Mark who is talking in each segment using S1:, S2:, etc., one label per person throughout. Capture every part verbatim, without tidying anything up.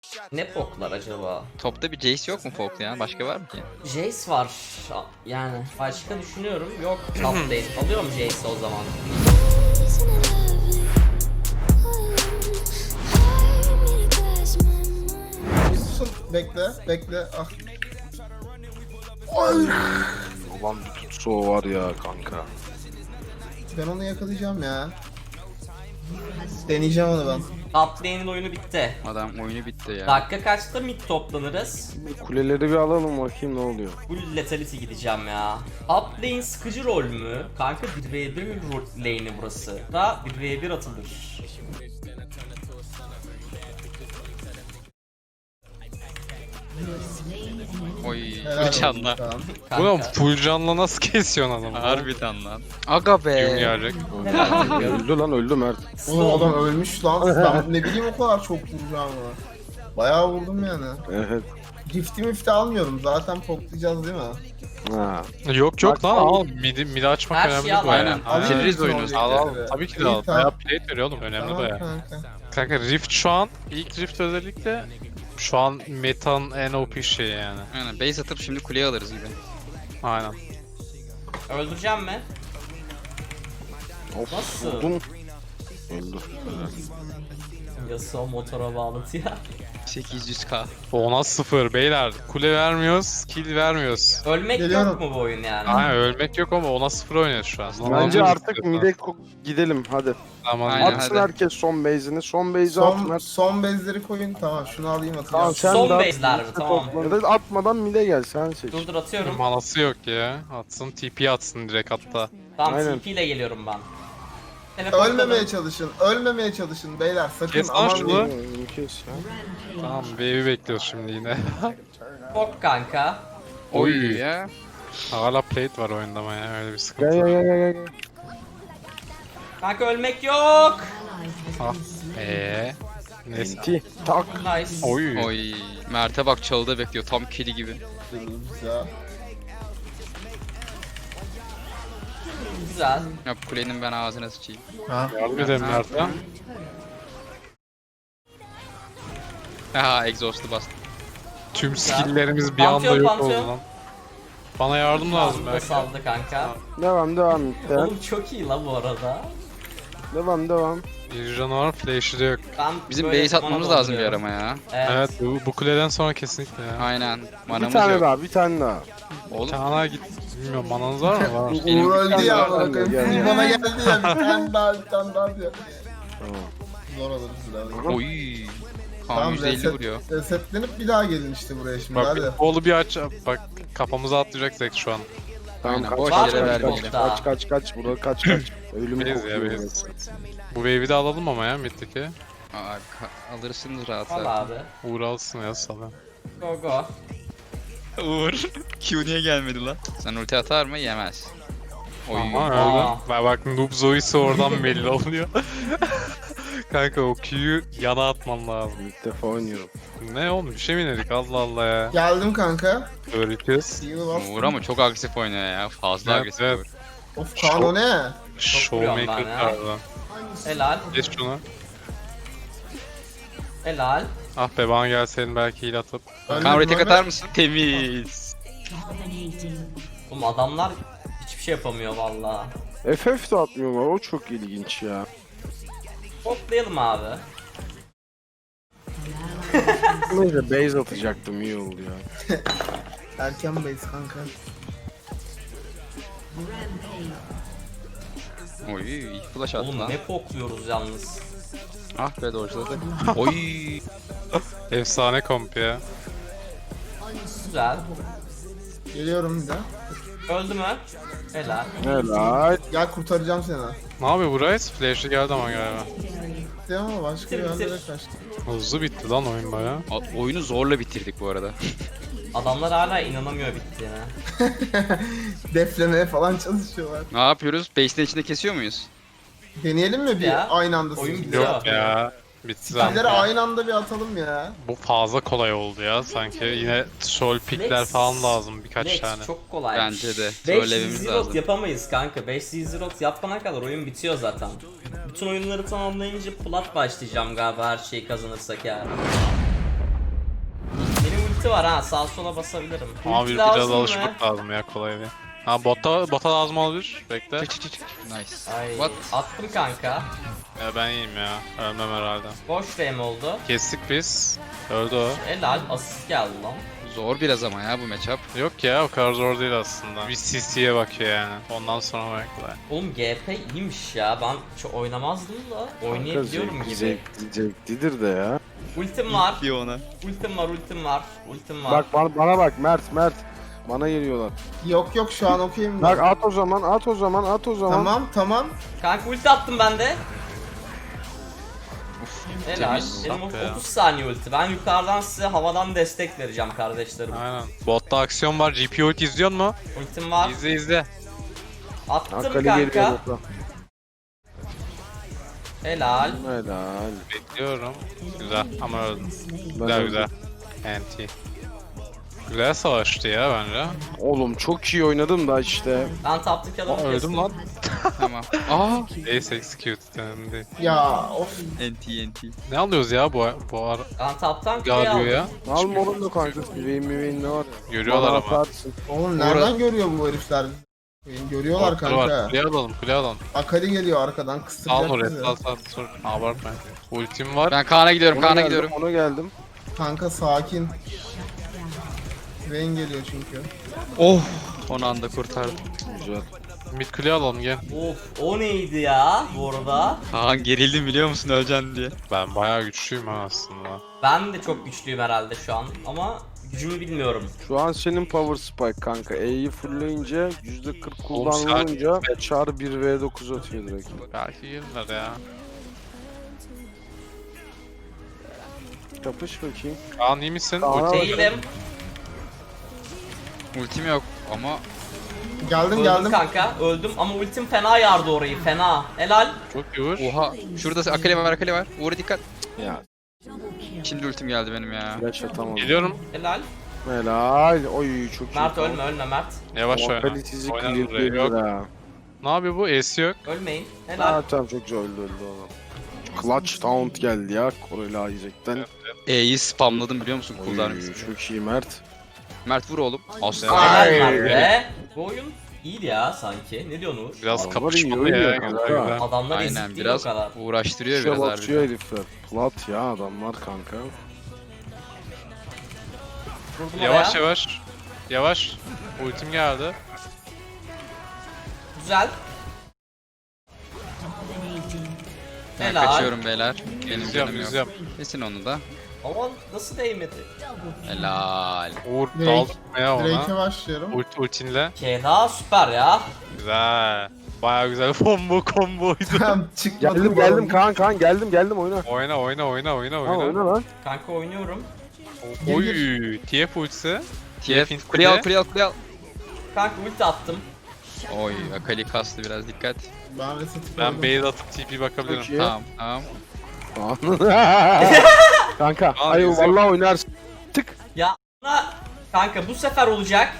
S1: Ne poklar acaba?
S2: Topta bir Jace yok mu Folk'ta ya? Başka var mı ki?
S1: Jace var. Yani başka düşünüyorum. Yok. Top lane. Alıyorum Jace'i o zaman.
S3: Susun, bekle, bekle. Ah. Ay.
S4: Ulan bir tutsa o var ya kanka.
S3: Ben onu yakalayacağım ya. Deneyeceğim onu ben.
S1: Top lane'in oyunu bitti.
S2: Adam oyunu bitti ya.
S1: Dakika kaçta mid toplanırız?
S4: Kuleleri bir alalım bakayım ne oluyor.
S1: Full lethality gideceğim ya. Up lane sıkıcı rol mü? Kanka bir ve bir rol lane'i burası. Da bir ve bir atılır.
S2: Oy.
S3: Helal olsun
S2: Bıçanla.
S3: Kaan.
S1: Kanka.
S5: Ulan full canla nasıl kesiyorsun adamı?
S2: Harbiden lan. Aga be.
S5: Gün gelecek.
S4: Öldü lan öldü Mert.
S3: Oğlum adam ölmüş lan. Ben ne bileyim o kadar çok vuracağımı. Bayağı vurdum yani.
S4: Evet.
S3: Gifti mifti almıyorum. Zaten poklayacağız değil mi?
S4: Ha.
S5: Yok yok
S4: Bak,
S5: lan
S4: al.
S5: al. Midi, midi açmak
S1: Her
S5: önemli
S1: şeyi al,
S5: baya.
S2: aynen.
S5: Aynen.
S2: Bitiririz
S3: Alayım
S2: oyunu.
S3: bütün
S5: Al al.
S3: objeleri.
S5: Tabii ki de
S3: İyi,
S5: al.
S3: tamam.
S5: Bayağı plate veriyor oğlum. Önemli
S3: Tamam
S5: baya.
S3: kanka.
S5: Kanka Rift şu an, ilk Rift özellikle şu an metanın en O P şeyi yani.
S2: Aynen base atıp şimdi kuleye alırız gibi.
S5: Aynen.
S1: Öldüreceğim mi?
S4: Of
S1: Nasıl?
S4: vurdum. Öldü.
S1: Yasuo motora bağladı ya.
S2: sekiz yüz k.
S5: Ona sıfır beyler. Kule vermiyoruz, kill vermiyoruz.
S1: Ölmek
S3: Geliyorum.
S1: yok mu bu oyun yani?
S5: Aynen ölmek yok ama ona sıfır oynuyoruz şu an.
S4: Bence
S5: Tamam.
S4: artık mide ko- gidelim hadi.
S5: Tamam.
S2: Aynen.
S4: Atsın
S2: hadi.
S4: herkes son base'ini. Son base'i at
S3: Son,
S4: Mert.
S3: son bezleri koyun. Tamam şunu alayım atacağım.
S4: Tamam, sen
S1: Son
S4: de at,
S1: base'ler mi?
S4: mide
S1: Tamam.
S4: topla. Ya da atmadan mide gel sen seç.
S1: Dur dur atıyorum.
S5: Manası yok ya. Atsın T P atsın direkt hatta.
S1: Tamam
S4: Aynen.
S1: T P ile geliyorum ben. Teleportladım.
S3: Ölmemeye çalışın. Ölmemeye çalışın beyler. Sakın
S5: Kes lan
S3: aman
S5: şunu.
S3: diyeyim.
S4: Ee, Kes ya.
S5: Tamam wave'i bekliyoruz şimdi yine.
S1: Bok kanka.
S2: Oy ya.
S5: Hala plate var oyunda ama ya öyle bir
S4: Gel
S5: sıkıntı
S4: gel
S5: var.
S4: gel gel. gel.
S1: Kanka ölmek yok.
S5: Ah. Eee. Neyse.
S4: Enti. Tak.
S1: Nice.
S5: Oy.
S2: Oy. Mert'e bak çalıda bekliyor. Tam kili gibi.
S3: Güzel.
S1: Güzel.
S2: Ya kulenin ben ağzına sıçayım.
S3: Ha.
S5: Yardım edelim Mert'e.
S2: Aha exhaust'u bastım.
S5: Tüm skill'lerimiz bir anda
S1: Pantheon,
S5: yok oldu
S1: Pantheon.
S5: lan. Bana yardım lazım
S1: Ağzına
S5: belki.
S1: saldı kanka.
S4: Devam devam. Devam
S1: Oğlum çok iyi lan bu arada.
S4: devam. devam.
S5: Bir canavar flash'ı da yok.
S1: Ben
S2: Bizim
S1: böyle
S2: base atmamız
S1: mana
S2: lazım bir
S1: dolduruyorum.
S2: arama ya.
S1: Evet.
S5: Evet bu, bu kuleden sonra kesinlikle ya.
S2: Aynen.
S4: Bir
S2: Manamız
S4: tane
S2: yok.
S4: daha bir tane daha.
S2: Oğlum
S5: Kana git. Bilmiyorum mananız var mı? Var.
S2: Benim
S3: Uğur
S2: bir
S3: öldü
S4: tane
S3: ya.
S4: daha
S3: Bana
S4: geldi, geldi.
S3: bana geldi ya. Bir tane daha bir tane daha diyor.
S4: Tamam.
S3: Zor alırız biraz.
S2: oy. Kan
S3: Tamam
S2: yüzde elli
S3: reset,
S2: vuruyor.
S3: resetlenip bir daha gelin işte buraya şimdi
S5: Bak
S3: hadi.
S5: bolu bir aç. Bak kafamıza atlayacak Zek şu an.
S4: Tamam
S2: Aynen,
S4: kaç
S2: boş
S4: kaç
S1: yere
S4: kaç
S1: vermeyelim.
S4: kaç kaç kaç kaç burada kaç kaç. Ölüm
S5: Beyz ya,
S4: kokuyor.
S5: beyz. Bu wave'i de alalım ama ya middeki.
S2: Aa, ka- alırsınız rahat
S1: Al
S2: rahat.
S1: abi.
S5: Uğur alsın ya sana.
S1: Go go.
S2: Uğur. Q niye gelmedi lan? Sen ulti atar mı? Yemez. Oy.
S5: Ama
S1: Aa.
S5: öyle. Bak bak Noob Zoe'si oradan belli oluyor. Kanka o Q'yu yana atman lazım.
S4: İlk defa oynuyorum.
S5: Ne oğlum bir şey mi dedik Allah Allah ya.
S3: Geldim kanka.
S5: Öğretiyoruz.
S3: Heal bastım.
S2: Uğur ama çok agresif oynuyor ya. Fazla
S5: Evet,
S2: agresif
S5: evet.
S2: Uğur.
S3: Of Kaan o ne?
S5: Showmaker
S1: vuruyorum ben ya.
S5: tarzı.
S1: Helal.
S5: Geç şunu.
S1: Helal.
S5: Ah be bana gelseydin belki heal atıp.
S3: Ölmedim,
S2: Kan tek
S3: ölmedim.
S2: atar mısın? Temiz.
S1: Oğlum adamlar hiçbir şey yapamıyor valla.
S4: F F de atmıyorlar o çok ilginç ya.
S1: Toplayalım abi.
S4: Neyse base atacaktım iyi oldu ya.
S3: Erken base kanka.
S2: Oy iyi flash attı
S1: Oğlum
S2: lan.
S1: ne pokluyoruz yalnız.
S2: Ah be dojladı. Oy.
S5: Efsane komp ya.
S1: Güzel.
S3: Geliyorum bir daha.
S1: Öldü mü? Helal.
S4: Helal.
S3: Gel kurtaracağım seni.
S5: Ne yapıyor bu Ryze? Flash'ı geldi ama galiba.
S3: Gitti ama başka bir
S1: Bitir, bitir.
S3: yerlere kaçtı.
S5: Hızlı bitti lan oyun baya.
S2: A- Oyunu zorla bitirdik bu arada.
S1: Adamlar hala inanamıyor bittiğine.
S3: Deflemeye falan çalışıyorlar.
S2: Ne yapıyoruz? Base'in içinde kesiyor muyuz?
S3: Deneyelim mi bir
S1: Ya,
S3: aynı anda
S1: oyun
S3: skill'leri?
S1: bitiyor.
S5: Yok ya. Bitti zaten.
S3: Skill'leri aynı anda bir atalım ya.
S5: Bu fazla kolay oldu ya sanki. Yine sol pickler
S1: Lex.
S5: falan lazım birkaç
S1: Lex
S5: tane.
S1: çok kolay.
S2: Bence de.
S1: beş
S2: Trollememiz
S1: zero
S2: lazım.
S1: yapamayız kanka. beş zero yapana kadar oyun bitiyor zaten. Bütün oyunları tamamlayınca plat başlayacağım galiba her şeyi kazanırsak yani. ulti var ha, sağ sola basabilirim.
S5: Ama
S1: Ulti
S5: bir biraz
S1: lazım mı?
S5: alışmak lazım ya, kolay değil. Ha bota, bota lazım olabilir. Bekle.
S2: Çık çık çık çık. Nice.
S1: Ay,
S2: What?
S1: attım kanka.
S5: Ya ben iyiyim ya. Ölmem herhalde.
S1: Boş frame oldu.
S5: Kestik biz. Öldü o.
S1: Helal, asist geldi lan.
S2: Zor biraz ama ya bu matchup.
S5: Yok ya, o kadar zor değil aslında. Bir C C'ye bakıyor yani. Ondan sonra bekle.
S1: Oğlum G P iyiymiş ya, ben çok oynamazdım da oynayabiliyorum
S4: Kanka,
S1: gibi.
S4: Zevkli, zevklidir de ya.
S1: Ultim var,
S2: Diyor ona.
S1: ultim var, ultim var, ultim var.
S4: Bak bana, bana bak Mert Mert. Bana geliyorlar.
S3: Yok yok şu an okuyayım
S4: Bak
S3: ben.
S4: at o zaman at o zaman at o zaman.
S3: Tamam tamam.
S1: Kanka ulti attım ben de.
S2: Uf,
S1: Helal.
S2: temiz.
S1: Benim
S5: Dakika ya.
S1: otuz saniye ulti. Ben yukarıdan size havadan destek vereceğim kardeşlerim.
S5: Aynen. Botta aksiyon var. G P ult izliyor mu?
S1: Ultim var.
S5: İzle izle.
S1: Attım
S4: Akali geliyor
S1: kanka.
S4: bota.
S1: Helal.
S4: Helal.
S5: Bekliyorum. Güzel ama öldüm.
S4: Ben
S5: Güzel
S4: öldüm.
S5: güzel. Anti. Güzel savaştı ya bence.
S4: Oğlum çok iyi oynadım da işte.
S1: Ben taptaki
S5: Aa,
S1: adamı
S5: öldüm
S1: kestim.
S5: lan.
S2: Tamam. Aa.
S5: Ace execute dendi.
S3: Ya of.
S2: N T N T.
S5: Ne alıyoruz ya bu bu ara?
S1: Ben taptan kuleyi
S5: Galiyor
S1: aldım.
S5: ya.
S4: Al morun da kanka. Müveyin müveyin ne var?
S5: Görüyorlar
S4: Bana
S5: ama.
S4: atarsın.
S3: Oğlum nereden görüyor bu herifler? Beni görüyorlar
S5: Ortaları var.
S3: kanka.
S5: Kule alalım, kule alalım.
S3: Akali geliyor arkadan
S5: Al
S3: kıstıracak
S5: oraya,
S3: bizi.
S5: sal sal sal. Abartma. Ultim var.
S2: Ben Kaan'a gidiyorum.
S4: Ona
S2: Kaan'a
S4: geldim,
S2: gidiyorum.
S4: ona geldim.
S3: Kanka sakin. Vayne geliyor çünkü.
S2: Oh. Son anda kurtardım.
S4: Güzel.
S5: Mid kule alalım gel.
S1: Of, o neydi ya bu arada?
S2: Kaan gerildim biliyor musun öleceksin diye.
S5: Ben bayağı güçlüyüm ha aslında.
S1: Ben de çok güçlüyüm herhalde şu an ama gücümü bilmiyorum.
S4: Şu an senin power spike kanka. E'yi fullleyince yüzde kırk
S5: Oğlum sen-
S4: kullanılınca çar bir v dokuz atıyor direkt.
S5: Belki girdiler ya.
S4: Kapış bakayım.
S5: Kaan iyi misin?
S4: Kaan-
S5: Ulti-
S1: Değilim.
S2: Ultim yok ama
S3: Geldim
S1: Öldüm
S3: geldim.
S1: kanka. Öldüm ama ultim fena yardı orayı. Fena. Helal.
S5: Çok iyi vur.
S2: oha. Şurada Akali var Akali var. Uğur'a dikkat.
S4: Ya
S2: Şimdi ultim geldi benim ya.
S4: flash atamadım.
S5: Geliyorum.
S1: Helal.
S4: Helal. Oy çok iyi.
S1: Mert ölme ölme Mert.
S5: Yavaş oyna.
S4: Akali sizi
S5: Oynar buraya.
S4: clearlayabilir
S5: Yok.
S4: ha.
S5: Ne yapıyor bu? Ace yok.
S1: Ölmeyin. Helal.
S4: Ha tamam çok güzel öldü öldü oğlum. Clutch Taunt geldi ya Koreli Isaac'ten.
S2: E'yi spamladım biliyor musun?
S4: Oy,
S2: Kullanmışsın.
S4: çok iyi Mert.
S2: Mert vur oğlum. Aslan.
S1: Helal
S4: Ay.
S1: Mert be. Bu oyun iyiydi ya sanki. Ne diyorsun Uğur?
S5: Biraz
S4: Adamlar
S5: kapışmalı
S4: iyi
S5: ya.
S4: oynuyor
S5: Güzel
S4: kanka.
S5: güzel.
S1: Adamlar
S2: Aynen
S1: ezik değil
S2: biraz
S1: o kadar.
S2: uğraştırıyor
S4: İşe
S2: biraz
S4: batıyor
S2: harbiden.
S4: herifler. Plat ya adamlar kanka.
S1: Vurdum
S5: Yavaş
S1: oraya.
S5: yavaş. Yavaş. Ultim geldi.
S1: Güzel.
S2: Ben
S1: Helal.
S2: kaçıyorum beyler. Benim
S5: İzliyorum
S2: canım yok.
S5: izliyorum.
S2: Kesin onu da.
S1: Ama nasıl değmedi?
S2: Helal.
S5: Uğur
S3: Direkt-
S5: dal ya
S3: Drake'e
S5: ona.
S3: başlıyorum.
S5: Ult, ultinle.
S1: Keda süper ya.
S5: Güzel. Baya güzel combo comboydu.
S3: Tamam çıkmadı.
S4: Geldim
S3: bu
S4: geldim
S3: arada.
S4: Kaan Kaan geldim geldim oyna.
S5: oyna oyna oyna oyna
S4: Ha
S5: oyna.
S4: oyna lan.
S1: Kanka oynuyorum.
S5: Oy, T F ultisi.
S2: T F.
S5: F
S2: Kuleye al kuleye al kuleye al.
S1: Kanka ulti attım.
S2: Oy Akali kastı biraz dikkat.
S3: Ben reset
S5: Ben
S3: koydum.
S5: base atıp T P bakabilirim.
S4: Çok iyi.
S2: Tamam tamam.
S4: Kanka
S5: Aa,
S4: ay
S5: güzel.
S4: vallahi oynarsın. Tık.
S1: Ya ana- kanka bu sefer olacak.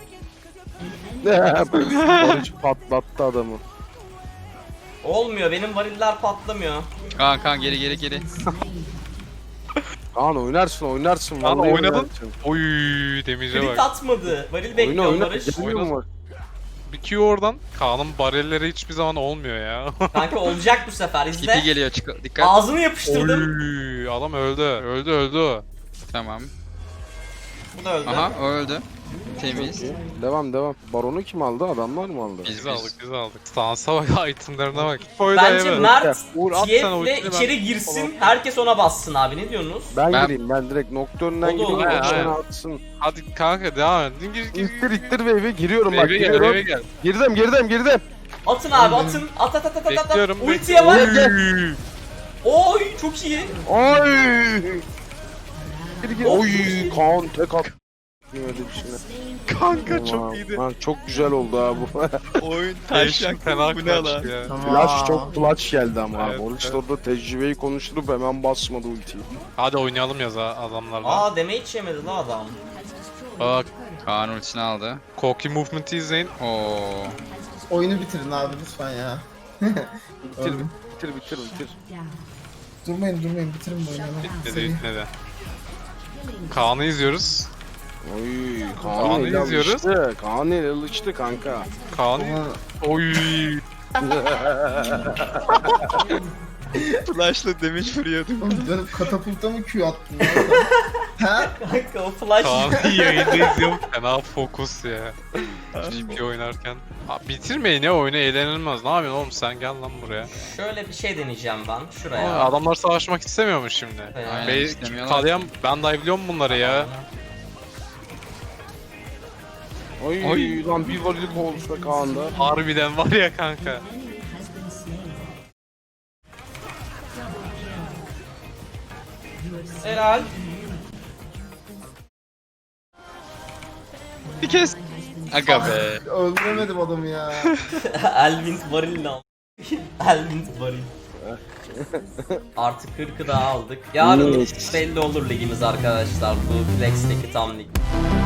S4: Barış patlattı adamı.
S1: Olmuyor, benim variller patlamıyor.
S2: Kaan Kaan geri geri geri.
S4: Kaan oynarsın oynarsın
S5: Kaan,
S4: vallahi
S5: oynadın.
S4: oynarsın.
S5: Oy, damage'e
S1: Crit
S5: bak.
S1: atmadı. Varil
S4: Oyna
S1: bekliyor
S4: oyna.
S1: Barış.
S4: Gelmiyor mu?
S5: Bir Q oradan. Kaan'ın barelleri hiçbir zaman olmuyor ya.
S1: Kanka olacak bu sefer,
S2: Tipi
S1: izle.
S2: geliyor çık dikkat.
S1: Ağzını yapıştırdım.
S5: Oy, adam öldü. Öldü öldü.
S2: Tamam.
S1: Bu da öldü.
S2: Aha o öldü. Temiz.
S4: Devam devam. Baronu kim aldı? Adamlar mı aldı?
S2: Biz
S5: Biz
S2: biz.
S5: aldık biz aldık. Stansa bak, itemlerine bak. Koy da
S1: Bence
S5: eve.
S1: Mert
S5: Uğur, at
S1: T
S5: sen
S1: F'le
S5: ultini, ben-
S1: içeri girsin, herkes ona bassın abi, ne diyorsunuz?
S4: Ben,
S2: Ben-
S4: gireyim ben direkt Nocturne'den
S1: O da olur,
S4: gireyim.
S5: he,
S4: O
S5: he.
S4: bana atsın.
S5: Hadi kanka devam et. Gir gir gir.
S4: İttir ittir wave'e giriyorum bak
S5: Eve gel
S4: giriyorum.
S5: eve gel.
S4: Girdim girdim girdim.
S1: Atın abi, atın. At at at at at. at.
S5: Bekliyorum.
S1: Ultiye var.
S5: Oy.
S1: Oy çok iyi.
S4: Oy. Gir gir.
S1: Of.
S4: Oy Kaan tek at. Öyle bir şey.
S5: Kanka çok
S4: Tamam,
S5: iyiydi.
S4: lan çok güzel oldu ha bu.
S2: Oyun
S5: Değişik fena kaçtı ya.
S3: Tamam.
S4: Flash çok clutch geldi ama
S5: Evet,
S4: abi. Oruç
S5: evet.
S4: orada tecrübeyi konuşturup hemen basmadı ultiyi.
S5: Hadi oynayalım ya za- adamlarla.
S1: Aa damage yemedi la adam.
S5: Bak,
S2: Kaan ultisini aldı.
S5: Koki movement'ı izleyin.
S2: Oo.
S3: Oyunu bitirin abi lütfen ya.
S4: Bitir
S3: Öldüm.
S4: bitir bitir bitir.
S3: Durmayın durmayın bitirin bu oyunu.
S5: Bitmedi
S3: Seri.
S5: bitmedi. Kaan'ı izliyoruz.
S4: Oy
S5: Kaan'ı
S4: Kaan ile
S5: izliyoruz.
S4: alıştı. Kaan ile alıştı kanka.
S5: Kaan'ı...
S3: Ulan,
S5: Oy.
S2: Flash'la damage vuruyordum.
S3: oğlum dönüp katapulta mı Q attın lan sen? Ha?
S1: Kanka o flash.
S5: Kaan'ı yayında izliyorum. Fena fokus ya. G P oynarken. Abi bitirmeyin ya oyunu, eğlenilmez. Ne yapıyorsun oğlum, sen gel lan buraya.
S1: Şöyle bir şey deneyeceğim ben
S5: Aa,
S1: şuraya.
S5: adamlar savaşmak istemiyormuş şimdi.
S1: Aynen,
S5: Be
S2: istemiyorlar.
S5: Kalyan, ben dive'liyorum bunları ya.
S4: Oy,
S5: Oy.
S4: lan bir valilik olmuş be Kaan'da.
S5: Harbiden var ya kanka.
S1: Helal.
S2: Bir kez. Aga be.
S3: Öldüremedim adamı ya.
S1: Elvin varil ne al? Elvin varil. Artık kırkı daha aldık. Yarın belli olur ligimiz arkadaşlar. Bu Flex'teki tam lig.